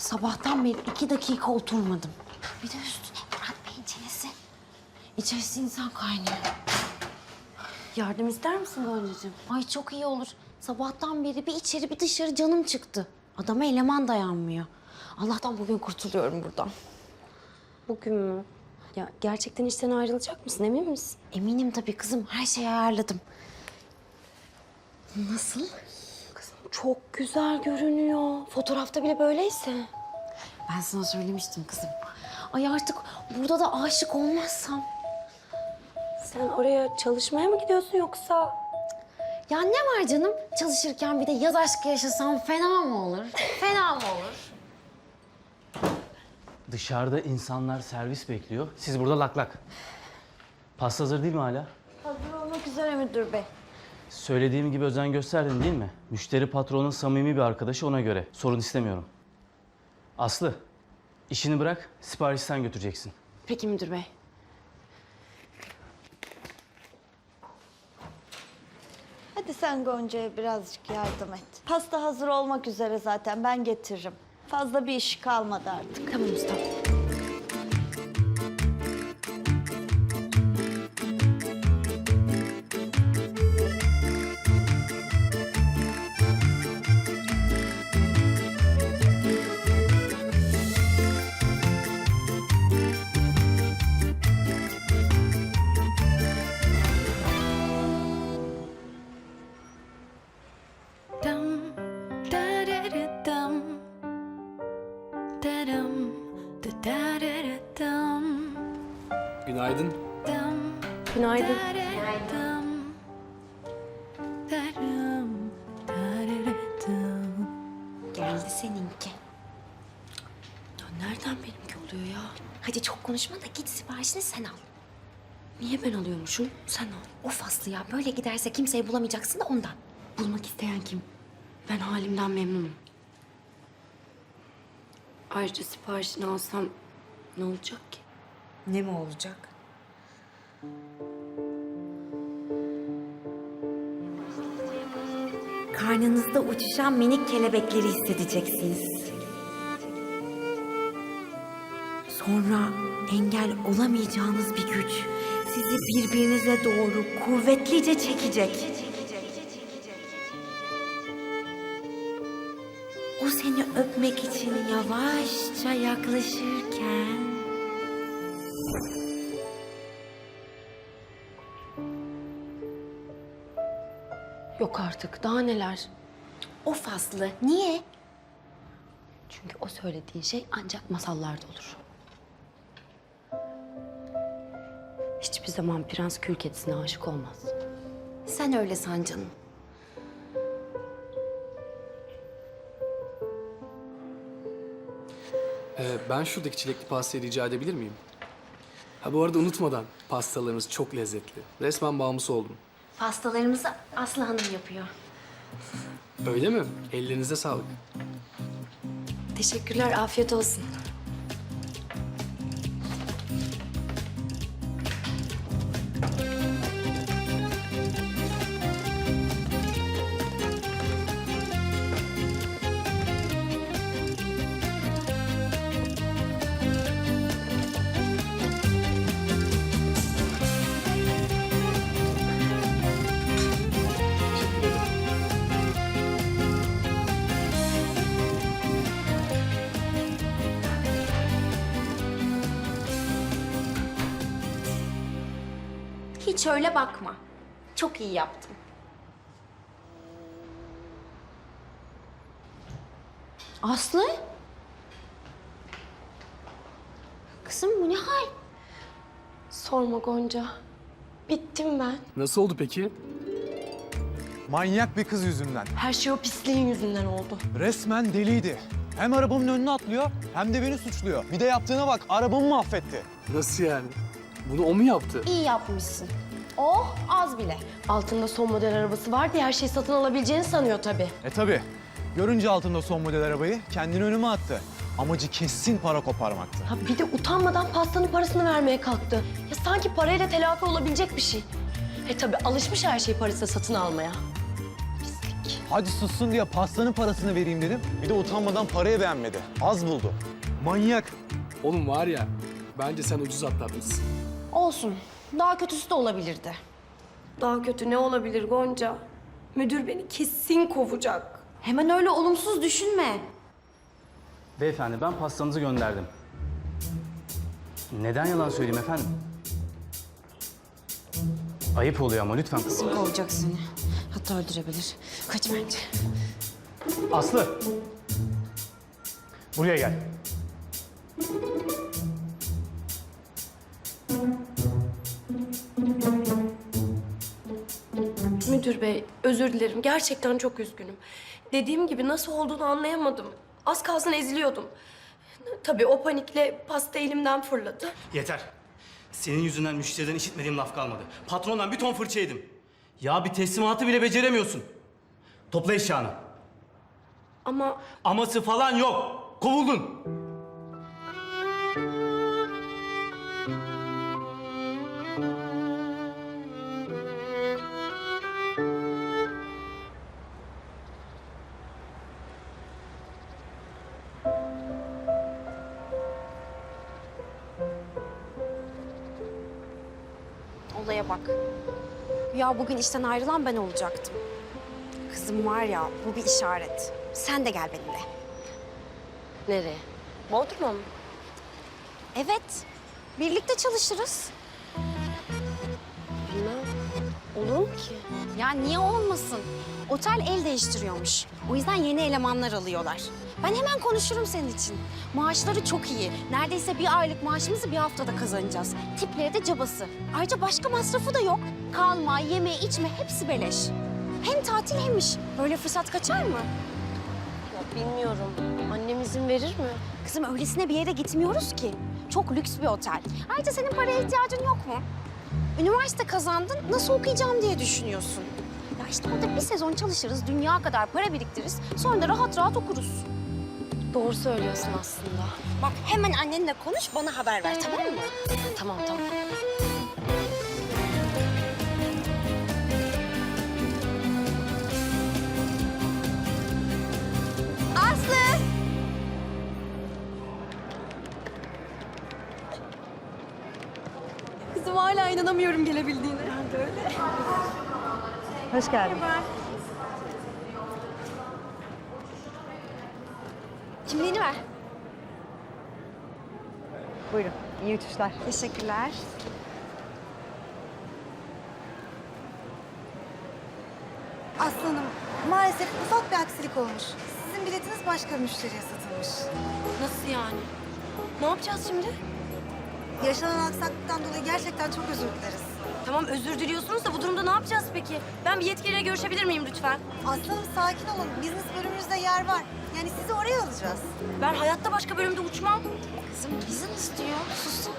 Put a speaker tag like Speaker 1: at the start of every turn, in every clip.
Speaker 1: Sabahtan beri 2 dakika oturmadım. Bir de üstüne Murat Bey'in çenesi. İçerisi insan kaynıyor.
Speaker 2: Yardım ister misin Goncacığım?
Speaker 1: Ay çok iyi olur. Sabahtan beri bir içeri bir dışarı canım çıktı. Adama eleman dayanmıyor. Allah'tan bugün kurtuluyorum buradan.
Speaker 2: Bugün mü? Ya gerçekten işten ayrılacak mısın, emin misin?
Speaker 1: Eminim tabii kızım. Her şeyi ayarladım. Nasıl?
Speaker 2: Kızım çok güzel görünüyor. Fotoğrafta bile böyleyse.
Speaker 1: Ben sana söylemiştim kızım. Ay artık burada da aşık olmazsam.
Speaker 2: Sen oraya çalışmaya mı gidiyorsun yoksa?
Speaker 1: Ya ne var canım? Çalışırken bir de yaz aşkı yaşasam fena mı olur? Fena mı olur?
Speaker 3: Dışarıda insanlar servis bekliyor. Siz burada lak lak. Pasta hazır değil mi hala?
Speaker 1: Hazır olmak üzere müdür bey.
Speaker 3: Söylediğim gibi özen gösterdin değil mi? Müşteri patronun samimi bir arkadaşı, ona göre. Sorun istemiyorum. Aslı, işini bırak, siparişi sen götüreceksin.
Speaker 2: Peki müdür bey.
Speaker 4: Hadi sen Gonca'ya birazcık yardım et. Pasta hazır olmak üzere zaten, ben getiririm. Fazla bir iş kalmadı artık.
Speaker 2: Tamam usta.
Speaker 5: Dum da da da dum da dum da da da da dum
Speaker 6: Günaydın.
Speaker 5: dum
Speaker 2: Günaydın.
Speaker 5: da da dum da dum da da da dum.
Speaker 1: Geldi seninki.
Speaker 2: Ya nereden benimki oluyor ya?
Speaker 1: Hadi çok konuşma da git siparişini sen al.
Speaker 2: Niye ben alıyormuşum? Sen al.
Speaker 1: Of Aslı ya böyle giderse kimseyi bulamayacaksın da ondan.
Speaker 2: Bulmak isteyen kim? Ben halimden memnunum. Ayrıca siparişini alsam ne olacak ki?
Speaker 1: Ne mi olacak? Karnınızda uçuşan minik kelebekleri hissedeceksiniz. Sonra engel olamayacağınız bir güç sizi birbirinize doğru kuvvetlice çekecek. O seni öpmek için yavaşça yaklaşırken...
Speaker 2: Yok artık, daha neler?
Speaker 1: Of Aslı, niye?
Speaker 2: Çünkü o söylediğin şey ancak masallarda olur. Hiçbir zaman prens kül kedisine aşık olmaz.
Speaker 1: Sen öyle san canım.
Speaker 6: Ben şuradaki çilekli pastayı rica edebilir miyim? Ha bu arada unutmadan, pastalarınız çok lezzetli. Resmen bağımlısı oldum.
Speaker 1: Pastalarımızı Aslı Hanım yapıyor.
Speaker 6: Öyle mi? Ellerinize sağlık.
Speaker 2: Teşekkürler, afiyet olsun.
Speaker 1: Hiç öyle bakma. Çok iyi yaptım. Aslı? Kızım bu ne hal?
Speaker 2: Sorma Gonca. Bittim ben.
Speaker 6: Nasıl oldu peki?
Speaker 7: Manyak bir kız yüzünden.
Speaker 2: Her şey o pisliğin yüzünden oldu.
Speaker 7: Resmen deliydi. Hem arabamın önüne atlıyor hem de beni suçluyor. Bir de yaptığına bak, arabamı mahvetti.
Speaker 6: Nasıl yani? Bunu o mu yaptı?
Speaker 1: İyi yapmışsın. Oh az bile.
Speaker 2: Altında son model arabası var diye her şeyi satın alabileceğini sanıyor tabii.
Speaker 7: Tabii. Görünce altında son model arabayı kendini önüme attı. Amacı kesin para koparmaktı.
Speaker 2: Ha bir de utanmadan pastanın parasını vermeye kalktı. Ya sanki parayla telafi olabilecek bir şey. Tabii alışmış her şeyi parasıyla satın almaya. Pislik. komik.
Speaker 7: Hadi sussun diye pastanın parasını vereyim dedim. Bir de utanmadan parayı beğenmedi. Az buldu. Manyak.
Speaker 6: Oğlum var ya, bence sen ucuz atlatmışsın.
Speaker 1: Olsun. Daha kötüsü de olabilirdi.
Speaker 2: Daha kötü ne olabilir Gonca? Müdür beni kesin kovacak.
Speaker 1: Hemen öyle olumsuz düşünme.
Speaker 3: Beyefendi ben pastanızı gönderdim. Neden yalan söyleyeyim efendim? Ayıp oluyor ama lütfen.
Speaker 1: Kim kovacak seni? Hatta öldürebilir. Kaç bence.
Speaker 3: Aslı. Buraya gel.
Speaker 2: Müdür bey, özür dilerim. Gerçekten çok üzgünüm. Dediğim gibi nasıl olduğunu anlayamadım. Az kalsın eziliyordum. Tabii o panikle pasta elimden fırladı.
Speaker 3: Yeter. Senin yüzünden müşteriden işitmediğim laf kalmadı. Patrondan bir ton fırça yedim. Ya bir teslimatı bile beceremiyorsun. Topla eşyanı.
Speaker 2: Ama
Speaker 3: Aması falan yok. Kovuldun.
Speaker 1: Olaya bak. Ya bugün işten ayrılan ben olacaktım. Kızım var ya, bu bir işaret. Sen de gel benimle.
Speaker 2: nereye? Bodrum'a mı?
Speaker 1: Evet. Birlikte çalışırız.
Speaker 2: Bilmem. Olur mu ki?
Speaker 1: Ya niye olmasın? Otel el değiştiriyormuş. O yüzden yeni elemanlar alıyorlar. Ben hemen konuşurum senin için. Maaşları çok iyi. Neredeyse bir aylık maaşımızı bir haftada kazanacağız. Tipleri de cabası. Ayrıca başka masrafı da yok. Kalma, yeme, içme hepsi beleş. Hem tatil hem iş. Böyle fırsat kaçar mı?
Speaker 2: Ya bilmiyorum. Annem izin verir mi?
Speaker 1: Kızım öylesine bir yere gitmiyoruz ki. Çok lüks bir otel. Ayrıca senin paraya ihtiyacın yok mu? Üniversite kazandın, nasıl okuyacağım diye düşünüyorsun. Ya işte orada bir sezon çalışırız, dünya kadar para biriktiririz. Sonra da rahat rahat okuruz.
Speaker 2: Doğru söylüyorsun aslında.
Speaker 1: Bak hemen annenle konuş, bana haber ver tamam mı?
Speaker 2: Tamam tamam.
Speaker 1: Aslı!
Speaker 2: Kızım hala inanamıyorum gelebildiğine.
Speaker 8: Hoş geldin.
Speaker 1: Kimliğini ver.
Speaker 8: Buyurun. İyi uçuşlar.
Speaker 1: Teşekkürler.
Speaker 8: Aslanım, maalesef ufak bir aksilik olmuş. Sizin biletiniz başka bir müşteriye satılmış.
Speaker 2: Nasıl yani? Ne yapacağız şimdi?
Speaker 8: Yaşanan aksaklıktan dolayı gerçekten çok özür dileriz.
Speaker 2: Tamam özür diliyorsunuz da bu durumda ne yapacağız peki? Ben bir yetkiliyle görüşebilir miyim lütfen?
Speaker 8: Aslanım sakin olun. Business bölümümüzde yer var. Yani sizi oraya alacağız.
Speaker 2: Ben hayatta başka bölümde uçmam.
Speaker 1: Kızım izin istiyor, susun.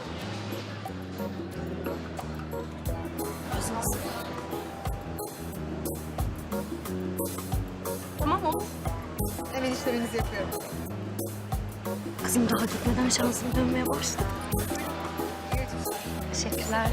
Speaker 2: Tamam mı?
Speaker 8: Hemen işleminizi yapıyorum.
Speaker 2: Kızım daha gitmeden şansım dönmeye başladı.
Speaker 1: Teşekkürler.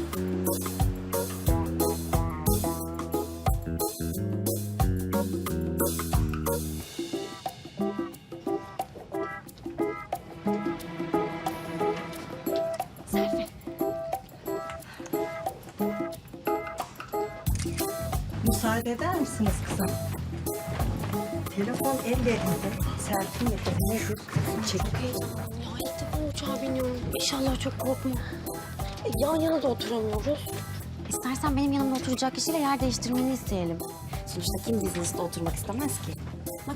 Speaker 9: Müsaade eder misiniz kızım? Telefon ellerinde. Selfie nefesine şu çek.
Speaker 2: Ya ilk defa uçağa biniyorum. İnşallah çok korkmam. Yan yana da oturamıyoruz.
Speaker 1: İstersen benim yanımda oturacak kişiyle yer değiştirmeni isteyelim. Sonuçta kim business'ta oturmak istemez ki? Bak.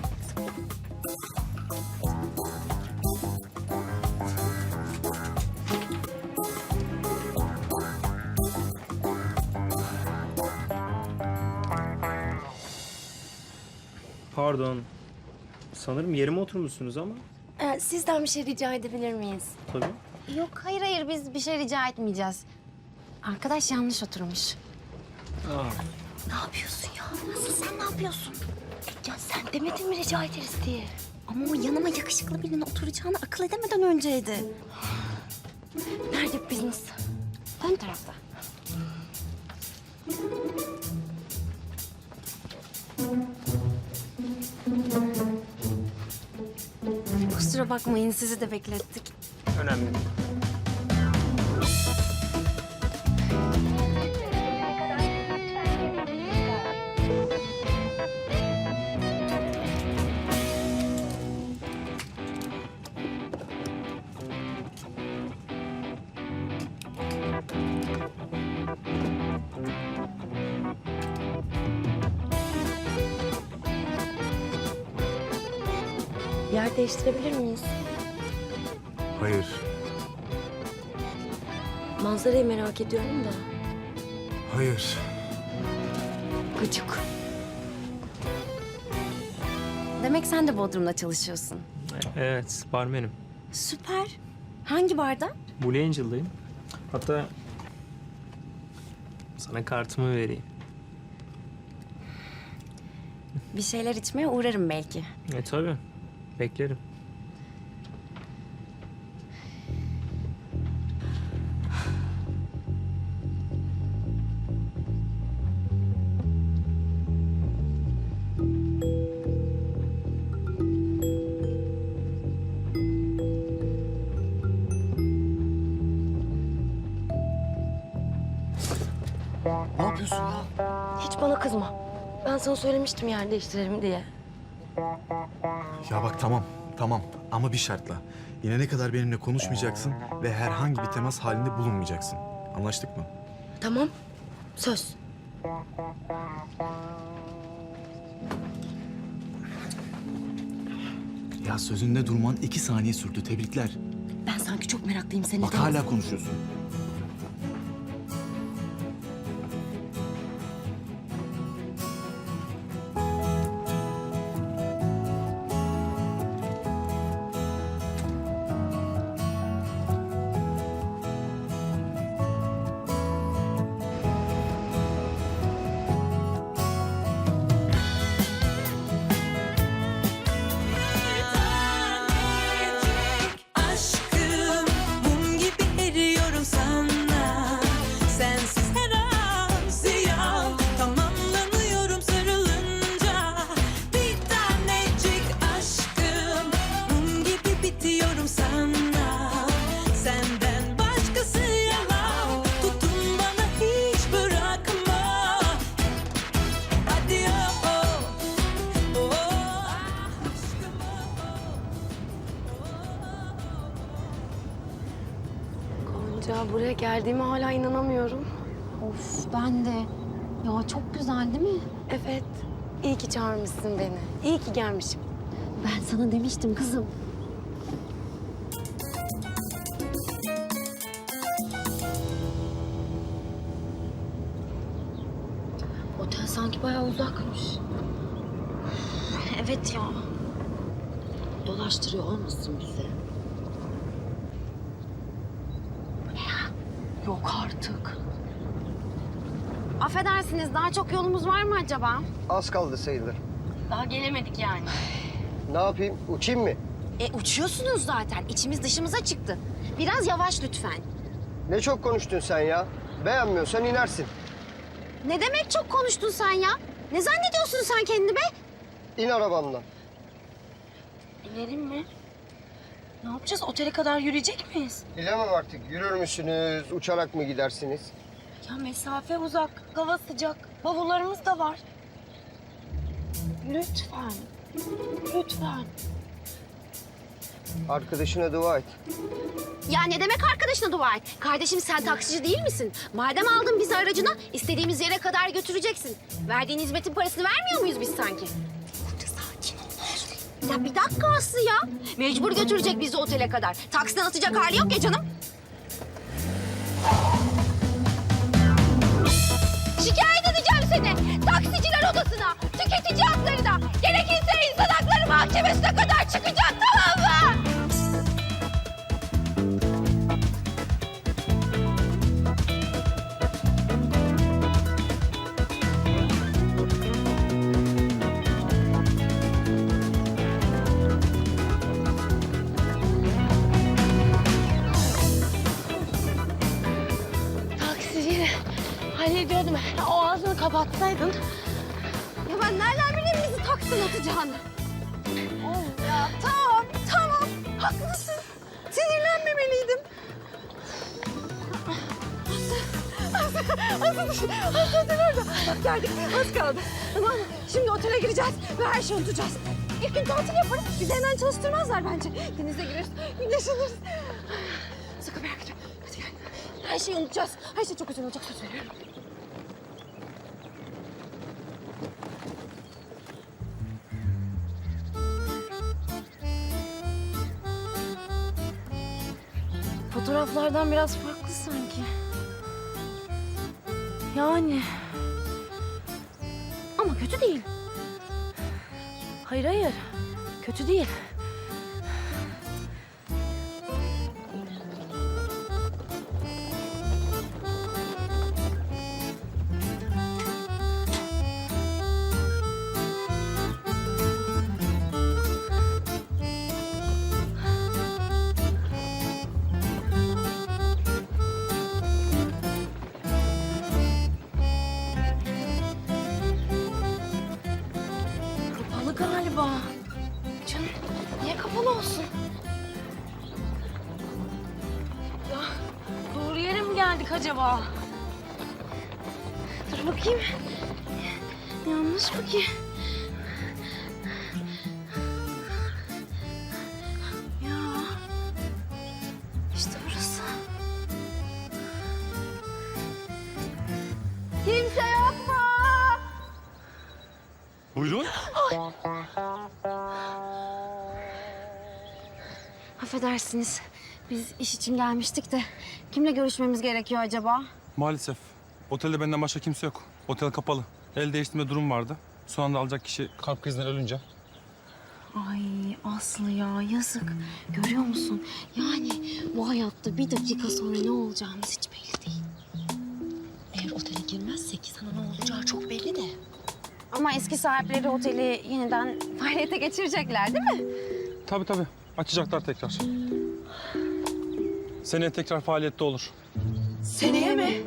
Speaker 10: Pardon. Sanırım yerime oturmuşsunuz ama.
Speaker 2: Sizden bir şey rica edebilir miyiz?
Speaker 10: Tabii.
Speaker 1: Yok hayır biz bir şey rica etmeyeceğiz. Arkadaş yanlış oturmuş.
Speaker 2: Ne yapıyorsun ya? Nasıl sen ne yapıyorsun? Ya sen demedin mi rica ederiz diye?
Speaker 1: Ama o yanıma yakışıklı birinin oturacağını akıl edemeden önceydi.
Speaker 2: Nerede business?
Speaker 1: Ön tarafta. Kusura bakmayın, sizi de beklettik.
Speaker 10: Önemli değil.
Speaker 2: Yer değiştirebilir miyiz?
Speaker 11: Hayır.
Speaker 2: Manzarayı merak ediyorum da.
Speaker 11: Hayır.
Speaker 1: Gıcık. Demek sen de Bodrum'da çalışıyorsun.
Speaker 10: Evet, barmenim.
Speaker 1: Süper. Hangi barda?
Speaker 10: Blue Angel'dayım. Hatta sana kartımı vereyim.
Speaker 1: Bir şeyler içmeye uğrarım belki.
Speaker 10: Tabii. Beklerim.
Speaker 11: Ne yapıyorsun ya?
Speaker 2: Hiç bana kızma. Ben sana söylemiştim yer değiştirelim diye.
Speaker 11: Ya bak tamam ama bir şartla. İnene kadar benimle konuşmayacaksın ve herhangi bir temas halinde bulunmayacaksın. Anlaştık mı?
Speaker 2: Tamam. Söz.
Speaker 11: Ya sözünde durman 2 saniye sürdü. Tebrikler.
Speaker 1: Ben sanki çok meraklıyım seni.
Speaker 11: Bak hala konuşuyorsun.
Speaker 5: Aşkım mum gibi eriyorum sana. Sensiz her an ziyan. Tamamlanıyorum sarılınca. Bir tanecik aşkım mum gibi bitiyorum sana. Senden başkası yalan. Tutun bana hiç bırakma. Hadi aşkım
Speaker 2: Gonca, buraya geldiğime hala inanamıyorum.
Speaker 1: Of ben de. Ya çok güzel değil mi?
Speaker 2: Evet. İyi ki çağırmışsın beni. İyi ki gelmişim.
Speaker 1: Ben sana demiştim kızım.
Speaker 2: Otel sanki bayağı uzakmış.
Speaker 1: Evet ya.
Speaker 2: Dolaştırıyor olmasın bizi? Yok artık.
Speaker 1: Affedersiniz, daha çok yolumuz var mı acaba?
Speaker 12: Az kaldı sayılır.
Speaker 2: Daha gelemedik yani.
Speaker 12: Ne yapayım? Uçayım mı?
Speaker 1: Uçuyorsunuz zaten. İçimiz dışımıza çıktı. Biraz yavaş lütfen.
Speaker 12: Ne çok konuştun sen ya. Beğenmiyorsan inersin.
Speaker 1: Ne demek çok konuştun sen ya? Ne zannediyorsun sen kendini be?
Speaker 12: İn arabamdan.
Speaker 2: İnelim mi? Ne yapacağız? Otele kadar yürüyecek miyiz?
Speaker 12: Bilemem artık. Yürür müsünüz? Uçarak mı gidersiniz?
Speaker 2: Ya mesafe uzak, hava sıcak, bavullarımız da var. Lütfen, lütfen.
Speaker 12: Arkadaşına dua et.
Speaker 1: Ya ne demek arkadaşına dua et? Kardeşim sen taksici değil misin? Madem aldın bizi aracına, istediğimiz yere kadar götüreceksin. Verdiğin hizmetin parasını vermiyor muyuz biz sanki? Burada sakin ol. Ya bir dakika Aslı ya. Mecbur götürecek bizi otele kadar. Taksiden atacak hali yok ya canım. Şikayet edeceğim seni. Taksiciler odasına, tüketici haklarına, gerekirse insan hakları mahkemesine kadar çıkacak, tamam mı?
Speaker 2: Taksiciyle hallediyordum. O ağzını kapatsaydın.
Speaker 1: Ya ben nereden bileyim bizi taksiden atacağını? Oğlum ya tamam. Haklısın. Sinirlenmemeliydim. Aslı otel orada. Bak geldik, az kaldı. Tamam mı? Şimdi otele gireceğiz ve her şeyi unutacağız. İlk gün tatil yaparız. Bizi hemen çalıştırmazlar bence. Denize gireriz, güneşleniriz. Sakın merak etme. Hadi gel. Her şeyi unutacağız. Her şey çok güzel olacak, söz veriyorum. Fotoğraflardan biraz farklı sanki. Yani. Ama kötü değil. Hayır hayır. Kötü değil. Kapalı galiba. Canım niye kapalı olsun? Ya doğru yere mi geldik acaba? Dur bakayım. Yanlış mı ki? Ya işte burası. Kimse yok mu?
Speaker 11: Buyurun.
Speaker 1: Affedersiniz. Biz iş için gelmiştik de kimle görüşmemiz gerekiyor acaba?
Speaker 10: Maalesef. Otelde benden başka kimse yok. Otel kapalı. El değiştirme durum vardı. Son anda alacak kişi kalp krizinden ölünce.
Speaker 1: Ay Aslı ya yazık. Görüyor musun? Yani bu hayatta bir dakika sonra ne olacağımız hiç belli değil.
Speaker 2: Eğer otele girmezsek sana ne olacağı çok belli de.
Speaker 1: Ama eski sahipleri oteli yeniden faaliyete geçirecekler değil mi?
Speaker 10: Tabii tabii. Açacaklar tekrar. Seneye tekrar faaliyette olur.
Speaker 2: Seneye mi?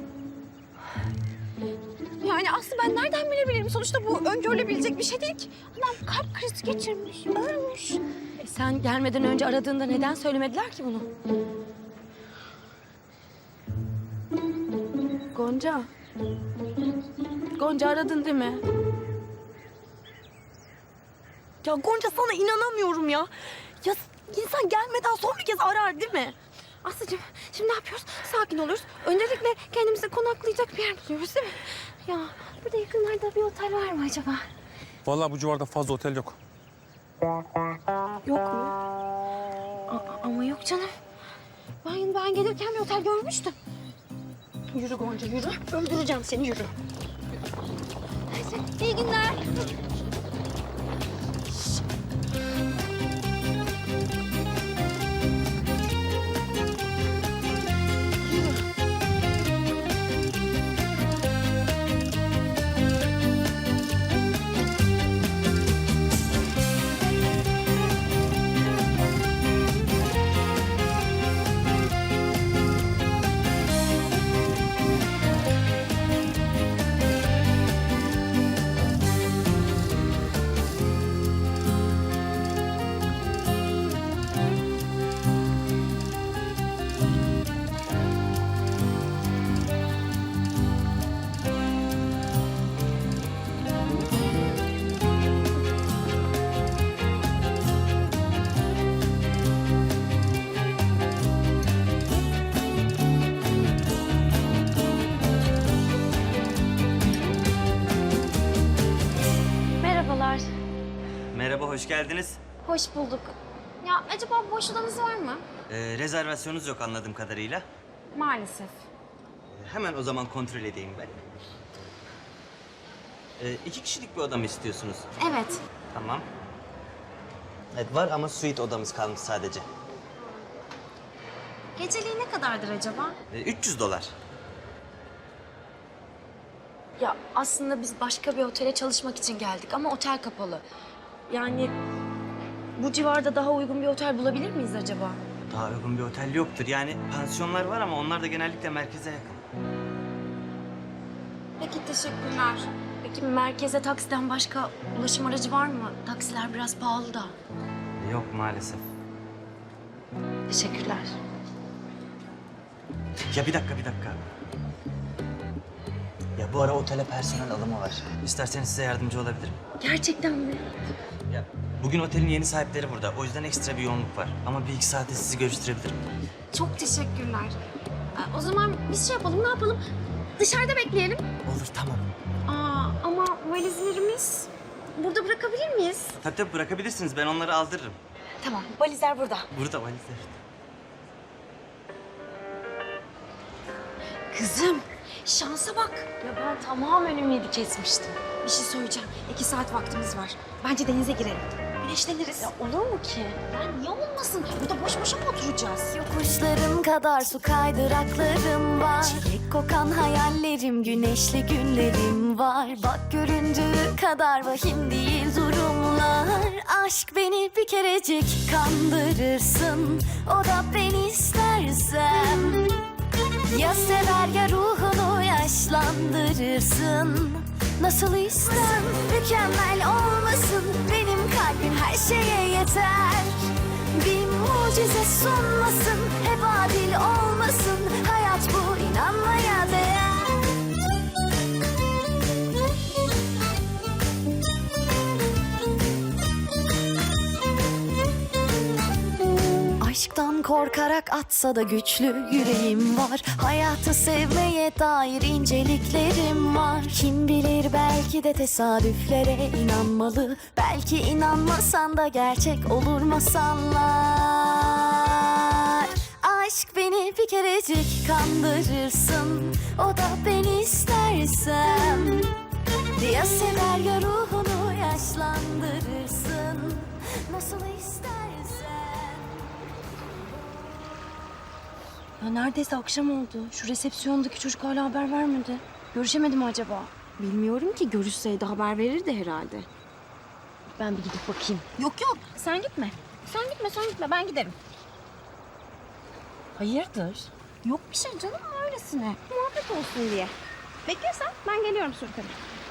Speaker 1: Yani Aslı ben nereden bilebilirim? Sonuçta bu öngörülebilecek bir şey değil ki. Adam kalp krizi geçirmiş, ölmüş.
Speaker 2: Sen gelmeden önce aradığında neden söylemediler ki bunu? Gonca. Gonca aradın değil mi? Ya Gonca sana inanamıyorum ya. Ya insan gelmeden son bir kez arar değil mi?
Speaker 1: Aslıcığım şimdi ne yapıyoruz? Sakin oluyoruz. Öncelikle kendimize konaklayacak bir yer buluyoruz değil mi? Ya burada yakınlarda bir otel var mı acaba?
Speaker 10: Vallahi bu civarda fazla otel yok.
Speaker 1: Yok mu? Ama yok canım. Ben gelirken bir otel görmüştüm. Yürü Gonca yürü. Öldüreceğim seni yürü. Neyse iyi günler. Merhabalar.
Speaker 13: Merhaba, hoş geldiniz.
Speaker 1: Hoş bulduk. Ya acaba boş odanız var mı?
Speaker 13: Rezervasyonunuz yok anladığım kadarıyla.
Speaker 1: Maalesef.
Speaker 13: Hemen o zaman kontrol edeyim ben. 2 kişilik bir oda mı istiyorsunuz?
Speaker 1: Evet.
Speaker 13: Tamam. Evet, var ama suite odamız kalmış sadece.
Speaker 1: Geceliği ne kadardır acaba?
Speaker 13: $300.
Speaker 2: Ya aslında biz başka bir otele çalışmak için geldik ama otel kapalı. Yani bu civarda daha uygun bir otel bulabilir miyiz acaba?
Speaker 13: Daha uygun bir otel yoktur. Yani pansiyonlar var ama onlar da genellikle merkeze yakın.
Speaker 1: Peki teşekkürler.
Speaker 2: Peki merkeze taksiden başka ulaşım aracı var mı? Taksiler biraz pahalı da.
Speaker 13: Yok maalesef.
Speaker 1: Teşekkürler.
Speaker 13: Ya bir dakika. Ya bu ara otele personel alımı var. İsterseniz size yardımcı olabilirim.
Speaker 1: Gerçekten mi?
Speaker 13: Ya bugün otelin yeni sahipleri burada. O yüzden ekstra bir yoğunluk var. Ama bir iki saate sizi görüştürebilirim.
Speaker 1: Çok teşekkürler. O zaman biz şey yapalım, ne yapalım? Dışarıda bekleyelim.
Speaker 13: Olur, tamam.
Speaker 1: Ama valizlerimiz burada bırakabilir miyiz?
Speaker 13: Tabii bırakabilirsiniz. Ben onları aldırırım.
Speaker 1: Tamam, valizler burada.
Speaker 13: Burada valizler.
Speaker 1: Kızım, şansa bak. Ya ben tamamen ümidi kesmiştim. Bir şey söyleyeceğim. 2 saat vaktimiz var. Bence denize girelim. Güneşleniriz. Ya olur mu ki? Ya niye olmasın? Burada boş boşa mı oturacağız?
Speaker 5: Yokuşlarım kadar su kaydıraklarım var. Çilek kokan hayallerim, güneşli günlerim var. Bak göründüğü kadar vahim değil durumlar. Aşk beni bir kerecik kandırırsın. O da beni istersem. Ya sever ya ruhunu yaşlandırırsın. Nasıl istem mükemmel olmasın. Benim kalbim her şeye yeter. Bir mucize sunmasın. Hep adil olmasın. Hayat bu, inanmaya değer. Aşktan korkarak atsa da güçlü yüreğim var. Hayatı sevmeye dair inceliklerim var. Kim bilir, belki de tesadüflere inanmalı. Belki inanmasan da gerçek olur masallar. Aşk beni bir kerecik kandırırsın. O da beni istersem. Ya sever ya ruhunu yaşlandırırsın. Nasıl istersen.
Speaker 1: Ya neredeyse akşam oldu. Şu resepsiyondaki çocuk hala haber vermedi. Görüşemedi mi acaba? Bilmiyorum ki. Görüşseydi haber verirdi herhalde. Ben bir gidip bakayım. Yok, sen gitme. Sen gitme. Ben giderim. Hayırdır? Yok bir şey canım, öylesine. Muhabbet olsun diye. Beklersen ben geliyorum Sürkan'a.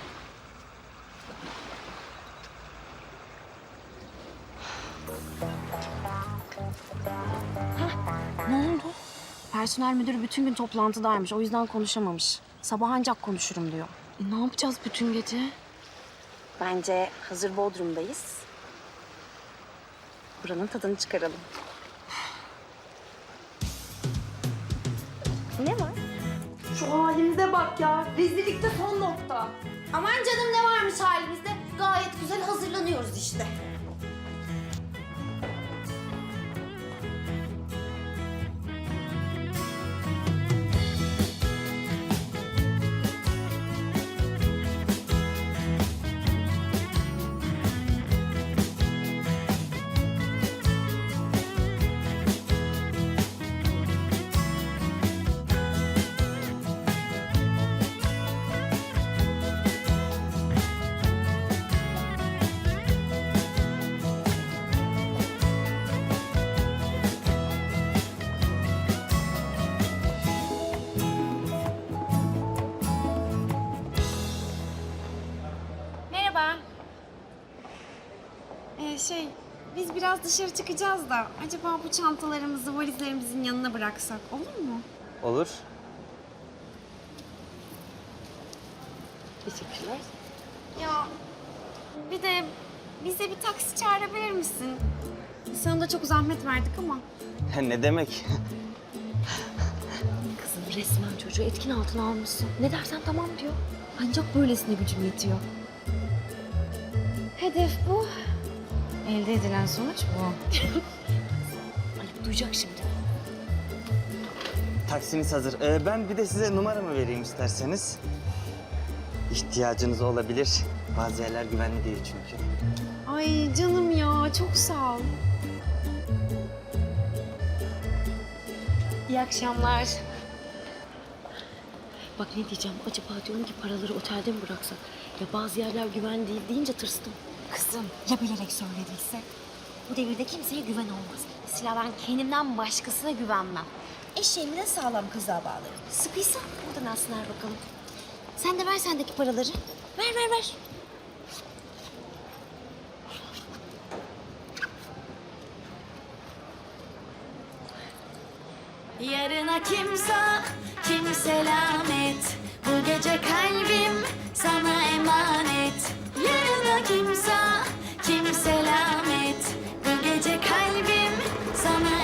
Speaker 1: Ne oldu? Personel müdürü bütün gün toplantıdaymış. O yüzden konuşamamış. Sabah ancak konuşurum diyor. Ne yapacağız bütün gece? Bence hazır Bodrum'dayız. Buranın tadını çıkaralım. Ne var?
Speaker 2: Şu halimize bak ya. Rezillikte son nokta.
Speaker 1: Aman canım, ne varmış halimizde? Gayet güzel hazırlanıyoruz işte. Merhaba. Biz biraz dışarı çıkacağız da acaba bu çantalarımızı valizlerimizin yanına bıraksak olur mu?
Speaker 13: Olur.
Speaker 1: Teşekkürler. Ya bir de bize bir taksi çağırabilir misin? Sana da çok zahmet verdik ama.
Speaker 13: Ne demek?
Speaker 1: Kızım, resmen çocuğu etkin altına almışsın. Ne dersen tamam diyor. Ancak böylesine gücüm yetiyor. Hedef bu. Elde edilen sonuç bu. Ayıp duyacak şimdi.
Speaker 13: Taksiniz hazır. Ben bir de size numaramı vereyim isterseniz. İhtiyacınız olabilir. Bazı yerler güvenli değil çünkü.
Speaker 1: Ay canım ya, çok sağ ol. İyi akşamlar. Bak ne diyeceğim, acaba diyorum ki paraları otelde mi bıraksak? Ya bazı yerler güven değil deyince tırstım. Kızım, ya bilerek söylediyse? Bu devirde kimseye güven olmaz. Mesela ben kendimden başkasına güvenmem. Eşeğimi de sağlam kızlığa bağlarım. Sıkıysa oradan alsınlar bakalım. Sen de ver sendeki paraları. Ver.
Speaker 5: Yarına kimse, kim selamet. Bu gece kalbim sana emanet. Yarına kimse, kim selamet. Bu gece kalbim sana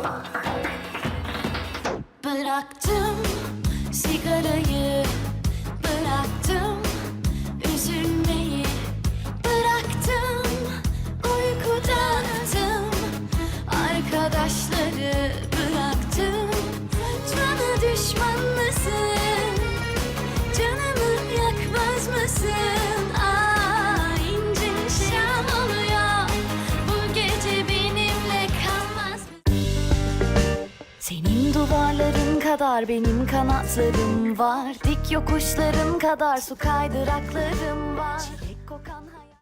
Speaker 5: Bıraktım sigarayı, bıraktım üzülmeyi, bıraktım uyku dağıttım, arkadaşları bıraktım. Bana düşman mısın? Canımı yakmaz mısın? İnce şam oluyor, bu gece benimle kalmaz mı? Senin duvarların kadar benim kanatlarım var. Dik yokuşların kadar su kaydıraklarım